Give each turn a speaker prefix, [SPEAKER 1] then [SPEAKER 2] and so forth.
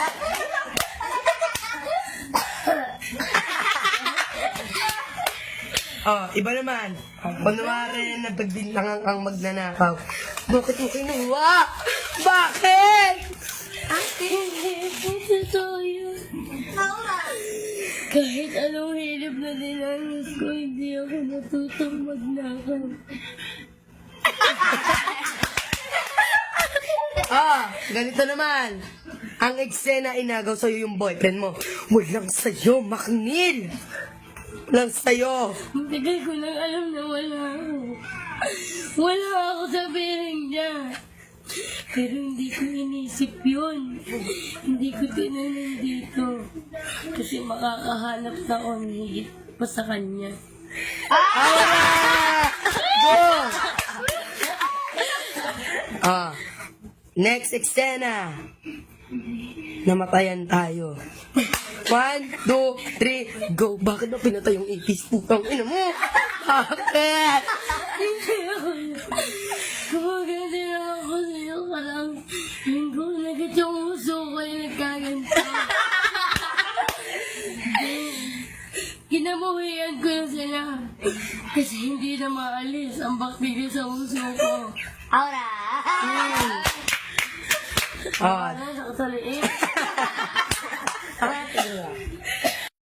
[SPEAKER 1] Oh, iba naman. Kunwari na pagbintangan ang magnanakaw. Bakit mo kinuha? Bakit?
[SPEAKER 2] Totoo yun. Kahit anong hirap na dinanas ko, hindi ako natutong magnakaw.
[SPEAKER 1] Ganito naman. Ang eksena inagaw sa'yo yung boyfriend mo. Walang sa'yo, Maknil. Walang sa'yo.
[SPEAKER 2] Ang tagal ko nang alam na wala ako. Wala ako sa piling niya. Pero hindi ko inisip yun. Hindi ko tinanin dito. Kasi makakahanap na ako ng higit pa sa kanya.
[SPEAKER 1] Go! Next eksena. Namatayan tayo. 1, 2, 3, go. Bakit ba pinatay yung ipis? Putang ina mo. Bakit?
[SPEAKER 2] Hindi ako yun. Kumaganda lang ako sa'yo ka lang. Linggo na agad yung uso ko yung nagkaganto. Kinamuhian ko na sila. Kasi hindi na maalis ang bakterya sa uso ko.
[SPEAKER 3] Aura!
[SPEAKER 1] Ah,
[SPEAKER 2] Ano sa kasaliin?
[SPEAKER 1] tingnan.